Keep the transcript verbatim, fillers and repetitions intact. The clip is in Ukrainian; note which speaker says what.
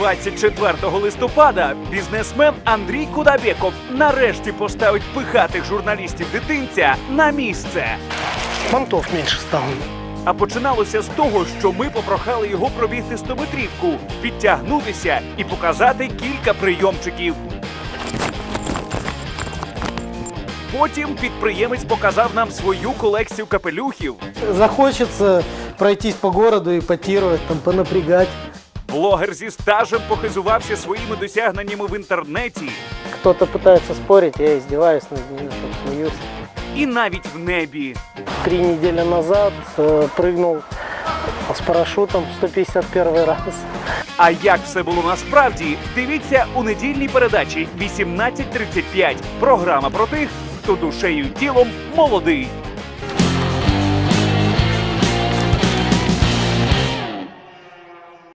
Speaker 1: двадцять четвертого листопада бізнесмен Андрій Кудабєков нарешті поставить пихатих журналістів дитинця на місце.
Speaker 2: Понтов меньше стало.
Speaker 1: А починалося з того, що ми попрохали його пробігти стометрівку, підтягнутися і показати кілька прийомчиків. Потім підприємець показав нам свою колекцію капелюхів.
Speaker 2: Захочется пройтись по городу, ипотировать, там, понапрягать.
Speaker 1: Блогер зі стажем похизувався своїми досягненнями в інтернеті.
Speaker 2: Кто-то пытается спорить, я издеваюсь над ними, там, смеюсь.
Speaker 1: І навіть в небі.
Speaker 2: Три недели назад э, прыгнул с парашютом сто пятьдесят первый раз.
Speaker 1: А як все було насправді, дивіться у недільній передачі вісімнадцять тридцять п'ять. Програма про тих, хто душею й тілом молодий.